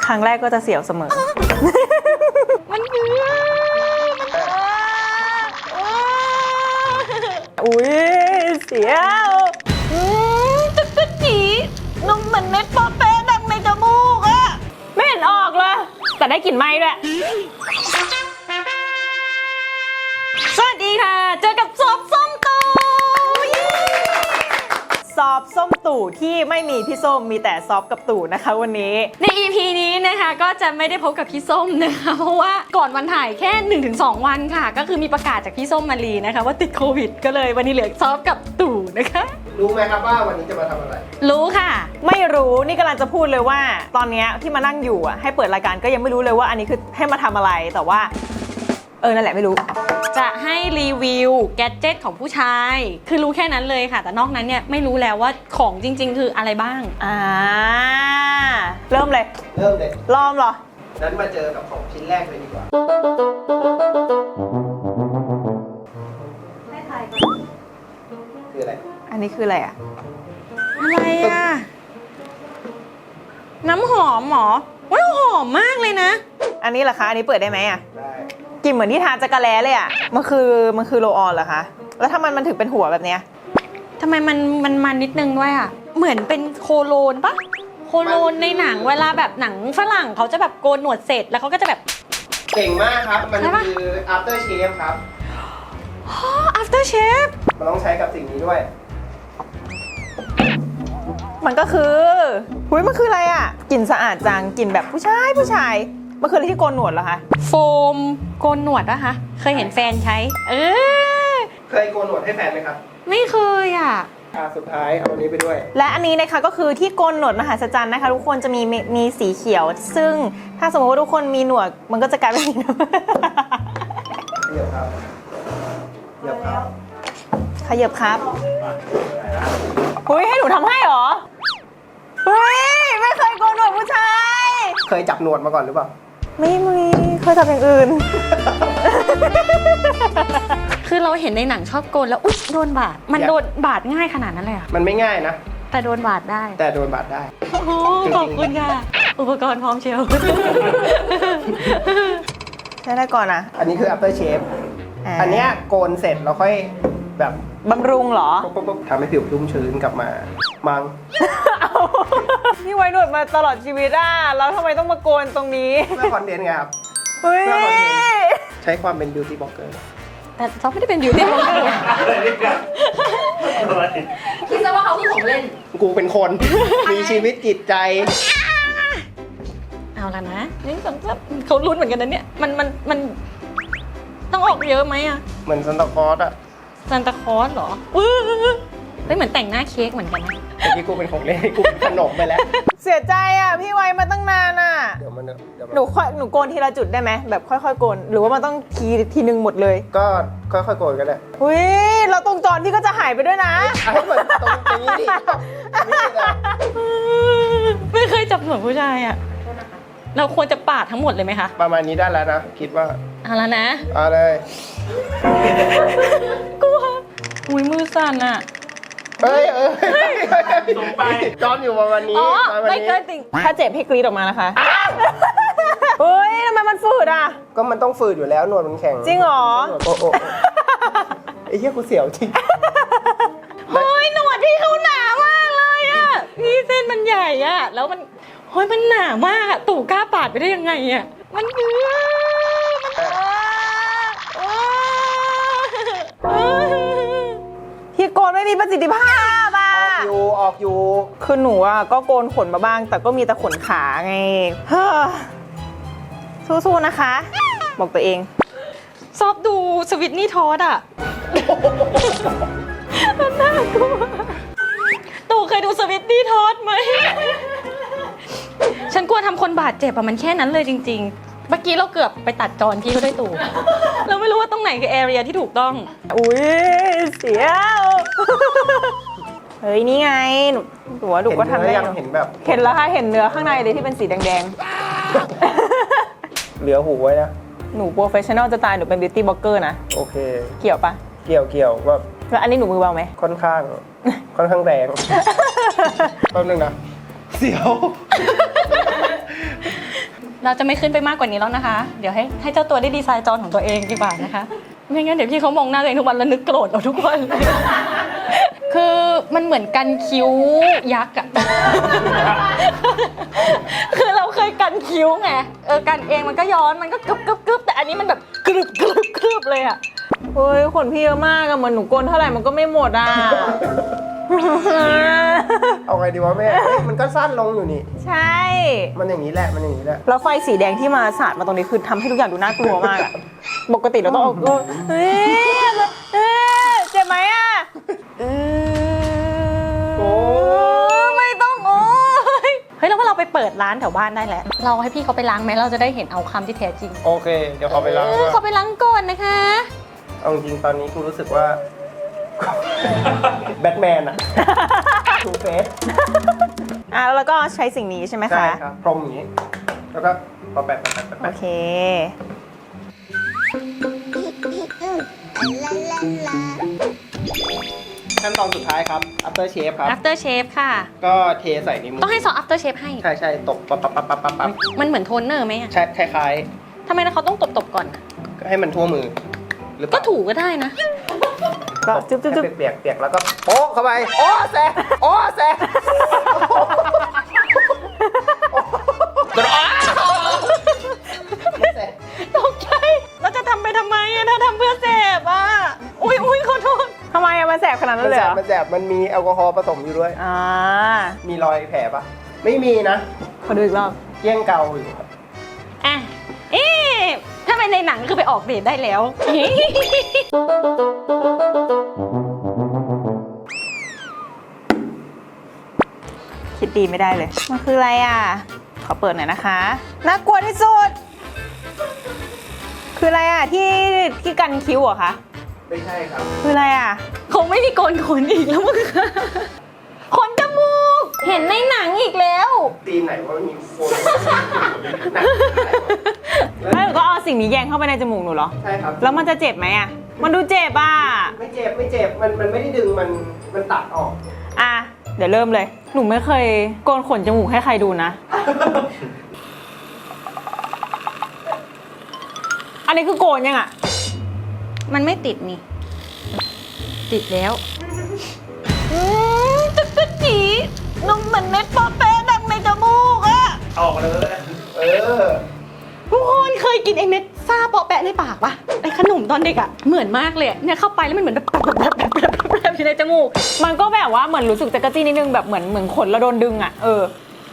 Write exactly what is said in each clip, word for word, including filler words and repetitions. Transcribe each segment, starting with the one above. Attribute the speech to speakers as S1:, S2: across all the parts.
S1: รั้งแรกก็จะเสียวเสมอมันเบื่ออุ้ยเสียวตึกตึกจีนมเหมือนเม็ดปอเป๊ะดังในจมูกอะไม่เห็นออกเลยแต่ได้กลิ่นไหม้ด้วยสวัสดีค่ะเจอกับซอฟส้มตู่ซอฟส้มตู่ที่ไม่มีพี่ส้มมีแต่ซอฟกับตู่นะคะวันนี้ใน อี พี นี้นะคะก็จะไม่ได้พบกับพี่ส้มนะคะเพราะว่าก่อนวันถ่ายแค่ หนึ่งถึงสอง วันค่ะก็คือมีประกาศจากพี่ส้มมารีนะคะว่าติดโควิดก็เลยวันนี้เหลือซอฟกับตู่นะคะ
S2: รู้ไหมครับว่าวันนี้จะมาทำอะไร
S1: รู้ค่ะไม่รู้นี่กำลังจะพูดเลยว่าตอนนี้ที่มานั่งอยู่อ่ะให้เปิดรายการก็ยังไม่รู้เลยว่าอันนี้คือให้มาทำอะไรแต่ว่าเออนั่นแหละไม่รู้จะให้รีวิวแกดเจ็ตของผู้ชายคือรู้แค่นั้นเลยค่ะแต่นอกนั้นเนี่ยไม่รู้แล้วว่าของจริงๆคืออะไรบ้างอ่าเริ่มเลย
S2: เริ่มเลย
S1: ลองเหรอ
S2: นั้นมาเจอกับของชิ้นแรกเลยดีกว่า
S1: ให้ทายก่อน
S2: คืออะไร
S1: อันนี้คืออะไรอะอะไรอะน้ำหอมหรอว้าวหอมมากเลยนะอันนี้เหรอคะอันนี้เปิดได้ไหมอะ
S2: ได้
S1: กลิ่นเหมือนที่ทาจักรแล้เลยอะมันคือมันคือโรลออนเหรอคะแล้วถ้ามันมันถึงเป็นหัวแบบเนี้ยทำไมมันมันมันนิดนึงด้วยอะเหมือนเป็นโคโลนปะโคโลนในหนังเวลาแบบหนังฝรั่งเขาจะแบบโกนหนวดเสร็จแล้วเขาก็จะแบบ
S2: เก่งมากครับมันคือ after shave ครับ
S1: อ๋อ after shave
S2: มันต้องใช้กับสิ่งนี้ด้วย
S1: มันก็คือหุ้ยมันคืออะไรอ่ะกลิ่นสะอาดจังกลิ่นแบบผู้ชายผู้ชายมันคืออะไรที่โกนหนวดเหรอคะโฟมโกนหนวดป่ะคะเคยเห็นแฟนใช้เออ
S2: เคยโกนหนวดให้แฟนไหมครับ
S1: ไม่เคยอ่ะ
S2: อ่าสุดท้ายเอาอันนี้ไปด้วย
S1: และอันนี้นะคะก็คือที่โกนหนวดมหัศจรรย์นะคะทุกคนจะมีมีสีเขียวซึ่งถ้าสมมติว่าทุกคนมีหนวดมันก็จะกลายเป็นสีน้ำ
S2: ขยับครับขยับครับ
S1: ขยับครับเฮ้ยให้หนูทำให้เหรอเฮ้ยไม่เคยโกนหนวดผู้ชาย
S2: เคยจับหนวดมาก่อนหรือเปล่า
S1: ไม่มีเคยทำอย่างอื่นคือเราเห็นในหนังชอบโกนแล้วอุ๊ยโดนบาดมันโดนบาดง่ายขนาดนั้นเลยอ่ะ
S2: มันไม่ง่ายนะ
S1: แต่โดนบาดได้
S2: แต่โดนบาดได้
S1: โอ้ขอบคุณค่ะอุปกรณ์พร้อมเชียวใช้ได้ก่อนนะ
S2: อันนี้คือ after shave อันเนี้ยโกนเสร็จเราค่อยแบบ
S1: บำรุงเหรอ
S2: ทำให้ผิวชุ่มชื้นกลับมามัง
S1: พี่ไว้หนวดมาตลอดชีวิตอ่ะแล้วทำไมต้องมาโกนตรงนี้
S2: เพื่อคอนเทนต์ไงครับ
S1: เฮ้ย
S2: ใช้ความเป็น beauty blogger
S1: แต่เขาไม่ได้เป็น beauty blogger คิดซะว่าเขาคือของเล่น
S2: กูเป็นคนมีชีวิตจิตใจ
S1: เอาละนะนี่สมมติเขาลุ้นเหมือนกันนะเนี่ยมันมันมันต้องออกเยอะไหมอ่ะ
S2: เหมือนซันตาคลอสอะ
S1: ซันตาคลอสเหรอเฮ้ยเหมือนแต่งหน้าเค้กเหมือนกันนะ
S2: เมื่อกี้กูเป็นของเล่นกูเป็นขนมไปแล้ว
S1: เสียใจอ่ะพี่ไว้มาตั้งนานอ่ะ
S2: เดี๋ยวมันเดี๋ยว
S1: หนูค่อยหนูโกนทีละจุดได้ไหมแบบค่อยๆโกนหรือว่ามันต้องทีทีนึงหมดเลย
S2: ก็ค่อยๆโกนกันแหละ
S1: อุ้ยเราตรงจอนพี่ก็จะหายไปด้วยนะ
S2: ให้เหมือนตรงนี้ดิ
S1: ไม่เคยจับหัวผู้ชายอ่ะเราควรจะปาดทั้งหมดเลยไหมคะ
S2: ประมาณนี้ได้แล้วนะคิดว่า
S1: เอาแล้วนะ
S2: เอาเลย
S1: กลัวอุ้ยมือสั่นอ่ะ
S2: เอ้ยเอ้ยส่งไปจอนอยู่ประมาณนี้
S1: อ๋อไม่เคยติ่งถ้าเจ็บให้กรีดออกมานะคะเฮ้ยทำไมมันฝืดอ่ะ
S2: ก็มันต้องฝืดอยู่แล้วหนวดมันแข็ง
S1: จริงเหรอ
S2: โอ้โหไอ้เหี้ยกูเสียวจริง
S1: เฮ้ยหนวดพี่เขาหนามากเลยอ่ะนี่เส้นมันใหญ่อ่ะแล้วมันเฮ้ยมันหนามากอะตู่กล้าปาดไปได้ยังไงอ่ะมันเบื่อที่โกนไม่มีประสิทธิภาพอ่ะ
S2: ออกอยู่ออกอยู่
S1: คือหนูอ่ะก็โกนขนมาบ้างแต่ก็มีแต่ขนขาไงสู้ๆนะคะบอกตัวเองชอบดูสวิตนี่ทอดอ่ะมันน่ากลัวตู่เคยดูสวิตนี่ทอดไหมฉันกลัวทำคนบาดเจ็บอะมันแค่นั้นเลยจริงๆเมื่อกี้เราเกือบไปตัดจอนพี่เขาได้ตู่เราไม่รู้ว่าตรงไหนคือแอเรียที่ถูกต้องอุ้ยเสียวเฮ้ยนี่ไงหนูหนูว่าดูก็ทำได้
S2: เห็นแบบ
S1: เห็นแล้วค่ะเห็นเนื้อข้างในเลยที่เป็นสีแดง
S2: ๆเหลือหูไว้นะ
S1: หนูโปรเฟชชั่นอลจะตายหนูเป็นบิวตี้บล็อกเกอร์นะ
S2: โอเค
S1: เกี่ยวปะ
S2: เกี่ยวเกี่ยวว่า
S1: แล้วอันนี้หนูมือเบาไหม
S2: ค่อนข้างค่อนข้างแรงแป๊บนึงนะเสียว
S3: เราจะไม่ขึ้นไปมากกว่านี้แล้วนะคะ เดี๋ยวให้ให้เจ้าตัวได้ดีไซน์จอของตัวเองดีกว่านะคะ ไม่งั้นเดี๋ยวพี่เขามองหน้าตัวเองทุกวันแล้วนึกโกรธเอาทุกวันเลย คือมันเหมือนกันคิ้วยักษ์อะ คือเราเคยกันคิ้วไง เออกันเองมันก็ย้อนมันก็กึบกึบกึบแต่อันนี้มันแบบกรึบกรึบกรึบเลยอะ
S1: เฮ้ยขนพี่เยอะมากอะเหมือนหนูโกนเท่าไหร่มันก็ไม่หมดอะ
S2: เอาไงดีวะแม่เอ้ยมันก็สั้นลงอยู่นี่
S1: ใช่
S2: มันอย่างนี้แหละมันอย่างนี้แหละ
S1: แล้วไฟสีแดงที่มาสาดมาตรงนี้คือทำให้ทุกอย่างดูน่ากลัวมากอะปกติเราต้องเอาเออเฮ้ยเอ้ยเจ็บไหมอะเออ
S2: โอ้
S3: ไม่ต้องโอ้ยเฮ้ยแล้วว่าเราไปเปิดร้านแถวบ้านได้แล้ว เราให้พี่เขาไปล้างไหมเราจะได้เห็นเอาคำที่แท้จริง
S2: โอเค เดี๋ยวขอไปล้าง
S3: เออ
S2: ก่อน
S3: เขาไปล้างก่อนนะคะ
S2: เอาจริงๆตอนนี้กูรู้สึกว่า แบทแมนอะทูเฟส
S1: อ่ะแล้วเราก็ใช้สิ่งนี้ใช่ไหม
S2: ใช่
S1: คะ
S2: ครับพรมอย่างนี้ แล้วก็พอแปะแปะแปะ
S1: โอ
S2: แปะ
S1: เค
S2: ขั้นตอนสุดท้ายครับ after shave ครับ
S3: after shave ค่ะ
S2: ก็เทใส่ในมือ
S3: ต้องให้ซอส after shave ให้
S2: ใช่ใช่ตบปั๊บปั๊บปั๊บปั๊บปั๊บปั๊บ
S3: มันเหมือนโทนเนอร์ไหมอะ
S2: ใช่คล้าย
S3: ทำไมเขาต้องตบๆก่อน
S2: ๆ ให้มันทั่วมือ หรือเป
S3: ก็
S2: ล่า
S3: ถูก็ได้นะ
S1: ก็จุ๊บจุ๊บจุ๊บ
S2: ให้เปียกๆเปียกแล้วก็โอ้เข้าไป โอ้แซ่โอ้แซ่กระโอ้แซ่
S3: ตกใจเราจะทำไปทำไมอะถ้าทำเพื่อเสพอะอุ้ยอุ้ยขอโทษ
S1: ทำไมอะมันแสบขนาดนั้
S2: มัน
S1: นเลย
S2: แส
S1: เหร
S2: บ
S1: อ
S2: มันแสบมันมีแอลกอฮอล์ผสมอยู่ด้วย
S1: อ่า
S2: มีรอยแผลปะไม่มีนะ
S1: ขอดูอีกรอบ
S2: เยี่ยงเกาอยู่ครับ
S3: อ่ะ เอ๊ะถ้าเป็นในหนังคือไปออกเดทได้แล้ว
S1: คิดดีไม่ได้เลย มันคืออะไรอ่ะ ขอเปิดหน่อยนะคะ น่ากลัวที่สุด คืออะไรอ่ะที่ที่กันคิ้วเหรอคะ
S2: ไม่ใช่ครับ
S1: คืออะไรอ่ะ
S3: คงไม่มีโกนขนอีกแล้วมั้งคะขนจมูก เห็นในหนังอีกแล้ว
S2: ตีนไหนว่ามีโคนหนัก
S1: แล้วหนูก็เอาสิ่งนี้แยงเข้าไปในจมูกหนูเหรอ
S2: ใช่ครับ
S1: แล้วมันจะเจ็บไหมอ่ะ มันดูเจ็บอ่ะ
S2: ไม่เจ็บไม่เจ็บมันมันไม่ได้ดึงมันมันตัดออก
S1: อ่ะ เดี๋ยวเริ่มเลย หนูไม่เคยโกนขนจมูกให้ใครดูนะ อันนี้คือโกนยังอ่ะ
S3: มันไม่ติดนี่ ติดแล้วอืมตึกตึกจีนมเหมือนเม็ดปอเป๊ะดังในจมูกอะ
S2: ออกเลย เออ
S3: ทุกคนเคยกินไอ้เม็ดซ่าปอแปะในปากปะไอ้ขนมตอนเด็กอะเหมือนมากเลยอะเนี่ยเข้าไปแล้วมันเหมือนแบบแบบแบบแบบแบบแบบอยู่ในจมูก
S1: มันก็แบบว่าเหมือนรู้สึกจักรจี้นิดนึงแบบเหมือนเหมือนขนเราโดนดึงอ่ะ เออ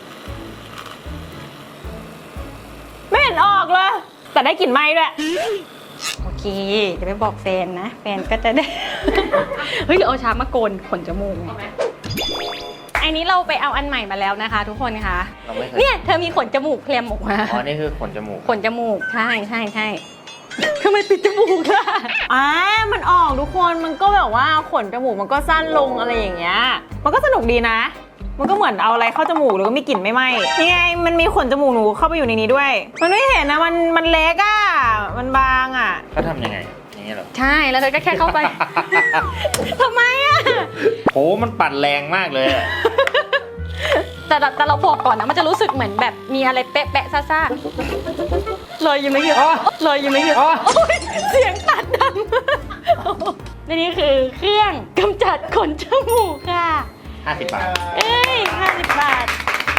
S1: ไม่เห็นออกเลย แต่ได้กลิ่นไหม้ด้วย
S3: โอเค เดี๋ยวไปบอกแฟนนะ แฟนก็จะได้ เฮ้ยหรือเอาชามาโกนขนจมูกไงอันนี้เราไปเอาอันใหม่มาแล้วนะคะ ทุกคนคะ
S4: เราไม่เคย
S3: เนี่ยเธอมีขนจมูกเคลมออกมา
S4: อ๋อ นี่คือขนจมูก
S3: ขนจมูก ใช่ใช่ใช่ทำไมปิดจมูกล่ะ
S1: อ่ามันออกทุกคน มันก็แบบว่าขนจมูกมันก็สั้นลงอะไรอย่างเงี้ย มันก็สนุกดีนะ มันก็เหมือนเอาอะไรเข้าจมูกหรือว่ามีกลิ่นไม่ไหม้ยังไง มันมีขนจมูกหนูเข้าไปอยู่ในนี้ด้วย มันไม่เห็นนะ มันมันเล็กอ่ะ มันบางอ่ะ
S4: เขาทำยังไงอย่างนี้เหรอ
S3: ใช่ แล้วเธอก็แค่เข้าไป ทำไมอะ
S4: โห มันปั่นแรงมากเลยอะ
S3: แต่แต่แต่เราบอกก่อนนะ มันจะรู้สึกเหมือนแบบมีอะไรเป๊ะแปะซ่าซ่าเลยยังไม่เยอะเลยยังไม่เยอะ
S4: อ๋อ
S3: โอ๊ยเสียงตัดดังและนี่คือเครื่องกำจัดขนจมูกค่ะ
S4: ห้าสิบบาท
S3: เอ้ยห้าสิบบาท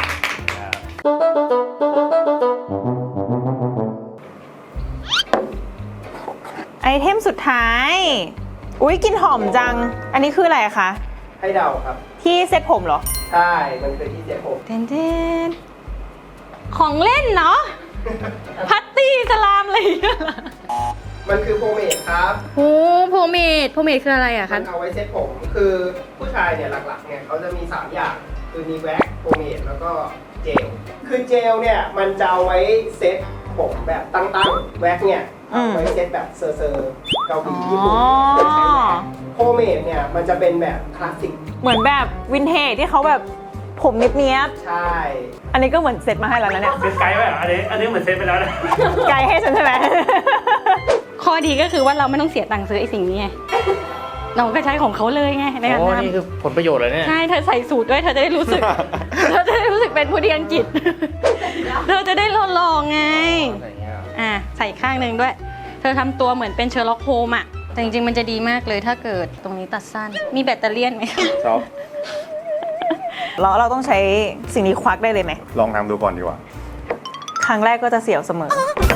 S1: ไอเทมสุดท้าย อุ๊ยกลินหอมจัง อันนี้คืออะไรคะ
S2: ให้เดาครับ
S1: ที่เซ็ตผมเหรอ
S2: ใช่ มันคือที่เจ็บผม
S3: เทนเทนของเล่นเนาะ พัตตี้สลามอะไรอย่างเงี้ยเหรอ
S2: มันคือโพเมดครับ
S3: โอ้โพเมดโพเมดคืออะไรอะ
S2: มั
S3: คะ
S2: นเอาไว้เซ็ตผม คือผู้ชายเนี่ยหลักๆเนี่ยเขาจะมีสามอย่าง คือมีแว็กซ์โพเมดแล้วก็เจล คือเจลเนี่ยมันจะเอาไว้เซ็ตผมแบบตั้งๆ แว็กซ์เนี่ยเอาไว้เซ็ตแบบเซอร์เซอร์เกาหลีญี่ปุ่นเคยใช้แว็กซ์โพเมดเนี่ยมันจะเป็นแบบคลาสสิก
S1: เหมือนแบบวินเทจที่เขาแบบผมเนี้ยบ
S2: ใช่
S1: ๆอันนี้ก็เหมือนเซ็ตมาให้แล้วนะเนี่ย
S5: เซตไกด์ไว้เหรออันนี้อันนี้เหมือนเซตไปแล้วนะ
S1: ไกลให้ฉันใช่ไหม
S3: ข้อดีก็คือว่าเราไม่ต้องเสียตังค์ซื้อไอ้สิ่งนี้ไง เราก็ใช้ของเขาเลยไงในการ
S4: โอ้
S3: ท
S4: นี่คือผลประโยชน์เลยเนี่ย
S3: ำใช่เธอใส่สูตรด้วยเธอจะได้รู้สึก เธอจะได้รู้สึกเป็นผู้ดีอังกฤษ เธอจะได้หหล่อไง
S4: อะไรเงี้ย
S3: อ่ะใส่ข้างหนึ่งด้วย เธอทำตัวเหมือนเป็นเชอร์ล็อกโฮมอะแต่จริงๆมันจะดีมากเลยถ้าเกิดตรงนี้ตัดสั้น มีแบตเตอรี่ยนไหม
S4: ชอบ
S1: แล้วเราต้องใช้สิ่งนี้ควักได้เลยไหม
S6: ลองทำดูก่อนดีกว่า
S1: ครั้งแรกก็จะเสียวเสมอ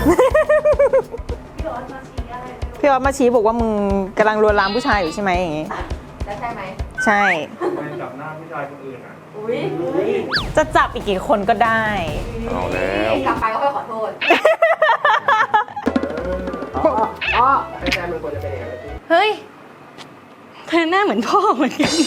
S1: พี่ออสมาชี้บอกว่ามึงกำลังลวนลามผู้ชายอยู่ใช่ไหมอย่างงี้
S7: แล้วใช่ไหม
S1: ใช่
S5: ไปจับหน้าผู้ชายคนอื่นอ่ะ
S7: อุ้ย
S1: จะจับอีกกี่คนก็ได้
S6: เอาแล้ว
S7: กลับไปก็ค่อยขอโทษ
S2: อ๋ออ๋อไม่ใช่มันควรจะเป็นอย่างนั้นพี่
S3: เฮ้ย เธอหน้าเหมือนพ่อเหมือนกัน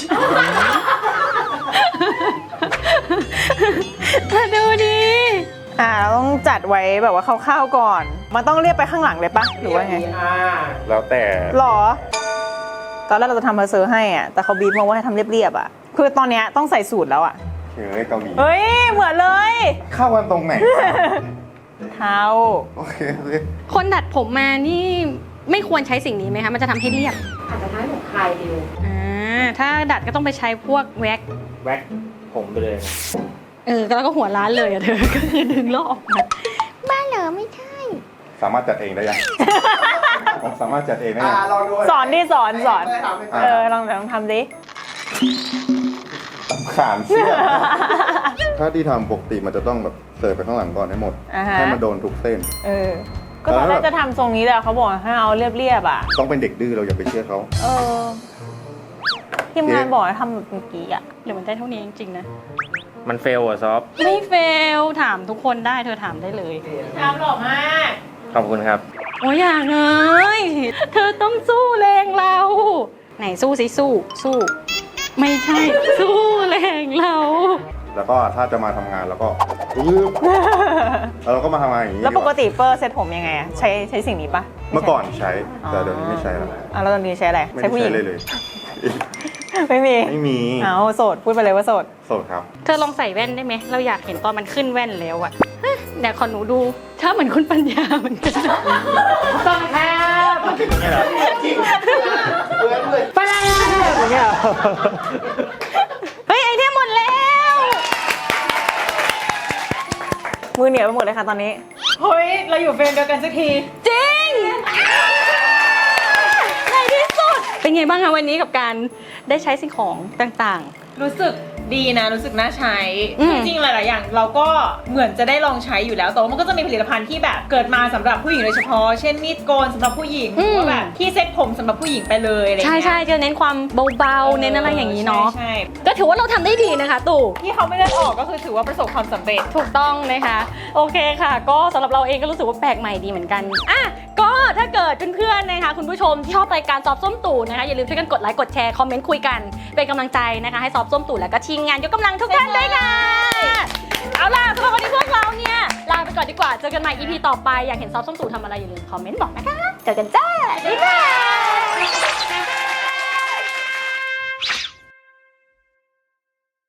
S3: เธอดูดิ
S1: อ่าเราต้องจัดไว้แบบว่าคร่าวๆก่อน มันต้องเรียบไปข้างหลังเลยปะหรือว่าไง
S2: อ่า
S6: แล้วแต่
S1: หรอ ตอนแรกเราจะทำเพอร์เซอร์ให้อ่ะ แต่เขาบีบมาว่าให้ทำเรียบๆอ่ะ คือตอนเนี้ยต้องใส่สูตรแล้วอ่ะ
S6: เฮ้ยเกาหลี
S1: เฮ้ย เหมือนเลย
S6: เข้ากันตรงไหน
S1: เท้า
S6: โอเคโอเค
S3: คนดัดผมมานี่ไม่ควรใช้สิ่งนี้ไหมคะ มันจะทำให้เรียบ
S7: อาจจะทำให้ผมคลายเร็ว
S3: อ่า ถ้าดัดก็ต้องไปใช้พวกแว็ก
S4: แว็กผมไปเลย
S3: เออ แล้วก็หัวร้านเลยอะเธอ ก็คือดึงลอกออกมาบ้าเหรอไม่ใช่
S6: สามารถจัดเองได้ยัง ผมสามารถจัดเองได้
S2: อ่า
S6: ยัง
S2: ลองดู
S1: สอนดิสอนสอน
S2: ไม่ทำไม่
S1: เอ
S2: ทำ
S1: อ ลองลองทำดิ
S6: ขานเสียถ้าที่ทำปกติมันจะต้องแบบเสิร์ฟไปข้างหลังก่อนให้หมด
S1: อ่าฮะ
S6: ให้มันโดนทุกเส้น
S1: เออ ก็ตอนแรกจะทำทรงนี้แหละเขาบอกให้เอาเรียบๆอ่ะ
S6: ต้องเป็นเด็กดื้อเราอย่าไปเชื่อเขา
S1: เออทีมงานบอกให้ทำแบบเมื่อกี้อ่ะ
S3: หรือมันได้เท่านี้จริงๆนะ
S4: มันเฟลอะซอฟ
S3: ไม่เฟล ถามทุกคนได้เธอถามได้เลย
S1: ทำหล่อมาก
S4: ขอบคุณครับ
S3: โอ้ยอย่าเลยเธอต้องสู้แรงเรา ไหนสู้สิสู้ สู้ ไม่ใช่ สู้แรงเรา
S6: แล้วก็ถ้าจะมาทำงานแล้วก็ปึ๊บแล้วเราก็มาทำงานอย่างนี้
S1: แล้วปก
S6: ดีา
S1: ติเปอร์เซ็ตผมยังไงอะใช้ใช้สิ่งนี้ปะ
S6: เมื่อก่อนใช้แต่เดี๋ยวนี้ไม่ใช้แล้ว
S1: อ่ะแล้วตอนนี้ใช้อะไร
S6: ไม่
S1: ใช้
S6: ได้
S1: ผู้หญิ
S6: ใช้
S1: ง
S6: เลยเลย
S1: ไม่มี
S6: ไม่มี
S1: เอาโสดพูดไปเลยว่าโสด
S6: โสดครับ
S3: เธอลองใส่แว่นได้ไหม เราอยากเห็นตอนมันขึ้นแว่นแล้วอะฮะเดี๋ยวขอหนูดู ถ้าเหมือนคุณปัญญาเหมือนกัน
S1: ต้องแคบ
S2: จริงเหมือนเหมือน
S1: ไปแล้วอย่างเงี้ย
S3: เฮ้ย ไอเทมหมดแล้ว
S1: มือเหนียวไปหมดเลยค่ะตอนนี้ เฮ้ย เราอยู่เฟรมเดียวกันสักที
S3: จริงในที่สุด เป็นไงบ้างคะวันนี้กับการได้ใช้สิ่งของต่าง
S1: รู้สึกดีนะ รู้สึกน่าใช้
S3: อืม
S1: จริงๆหลายๆอย่างเราก็เหมือนจะได้ลองใช้อยู่แล้วแต่ว่ามันก็จะมีผลิตภัณฑ์ที่แบบเกิดมาสำหรับผู้หญิงโดยเฉพาะ เช่นมีดโกนสำหรับผู้หญิงหรือว่าแบบที่เซ็ตผมสำหรับผู้หญิงไปเลยอะไร
S3: ๆ ใช่
S1: เงี้ย
S3: ใช่จะเน้นความเบาๆ เน้นอะไรอย่างนี้เนาะ
S1: ใช่
S3: ก็ถือว่าเราทำได้ดีนะคะตู่
S1: ที่เขาไม่เลือกออกก็คือถือว่าประสบความสำเร็จ
S3: ถูกต้องนะคะ โอเคค่ะ ก็สำหรับเราเองก็รู้สึกว่าแปลกใหม่ดีเหมือนกันอ่ะก็ถ้าเกิดเพื่อนๆนะคะคุณผู้ชมที่ชอบรายการซอฟส้มตู่นะคะอย่าลืมช่วยกันกดไลค์กดแชร์คอมเมนต์คุยกันเป็นกำลังใจนะคะให้ซอฟส้มตู่แล้วก็ทีมงานยกกำลังทุกท่านด้วยค่ะเอาล่ะสำหรับวันนี้พวกเราเนี่ยลาไปก่อนดีกว่าเจอกันใหม่ อี พี ต่อไปอยากเห็นซอฟส้มตู่ทำอะไรอย่าลืมคอมเมนต์บอกนะคะเจอกันจ้าบ๊ายบาย